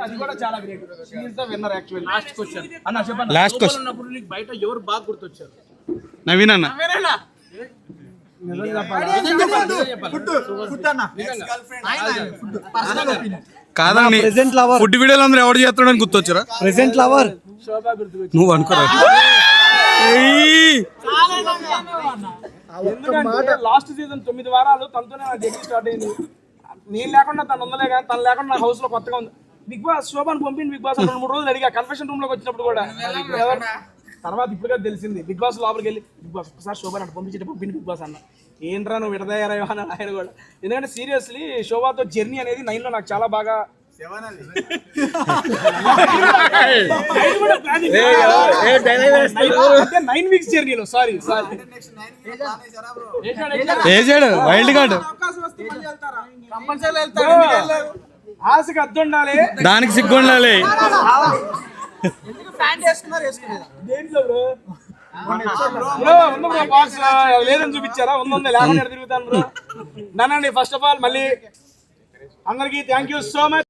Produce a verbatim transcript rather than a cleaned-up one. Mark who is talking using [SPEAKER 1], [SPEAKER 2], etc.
[SPEAKER 1] అది కూడా చాలా great. She is the winner actually. Last question అన్న చెప్పండి.
[SPEAKER 2] లాస్ట్ క్వశ్చన్
[SPEAKER 1] ఉన్నప్పుడు నీకు బయట ఎవరు బాగా గుర్తొచ్చారు?
[SPEAKER 2] నవీన్ అన్న. కాదండి ఫుడ్ వీడియోలు అందరూ ఎవరు చేస్తాడని గుర్తొచ్చారా?
[SPEAKER 3] ప్రెసెంట్ లవర్
[SPEAKER 2] నువ్వు అనుకోరా?
[SPEAKER 1] ఎందుకంటే లాస్ట్ సీజన్ తొమ్మిది వారాలు తనతోనే నా జర్నీ స్టార్ట్ అయింది. నేను లేకుండా తను ఉందలే కానీ తను లేకుండా నా హౌస్ లో కొత్తగా ఉంది. బిగ్ బాస్ శోభాన్ పంపింది. బిగ్ బాస్ రెండు మూడు రోజులు అడిగా కన్ఫెషన్ రూమ్ లోకి వచ్చినప్పుడు కూడా. తర్వాత ఇప్పుడుగా తెలిసింది బిగ్ బాస్ లోపలికి వెళ్ళి బిగ్ బాస్ ఒకసారి శోభాన్ అటు పంపించేట పంపింది బిగ్ బాస్ అన్న. ఏంట్రా నువ్వు విడదయ్యారా అని ఆయన కూడా. ఎందుకంటే సీరియస్లీ శోభాతో జర్నీ అనేది నైన్ లో నాకు చాలా బాగా నైన్ వీక్స్ జర్నీలో సారీ సారీ
[SPEAKER 2] వైల్డ్ కార్డ్
[SPEAKER 1] ఆశకి అద్దు ఉండాలి,
[SPEAKER 2] దానికి సిగ్గు ఉండాలి.
[SPEAKER 1] లేదని చూపించారా? ఉందా లేకుండా తిరుగుతాను బ్రో. నన్నండి ఫస్ట్ ఆఫ్ ఆల్ మళ్ళీ అందరికి థ్యాంక్ యూ సో మచ్.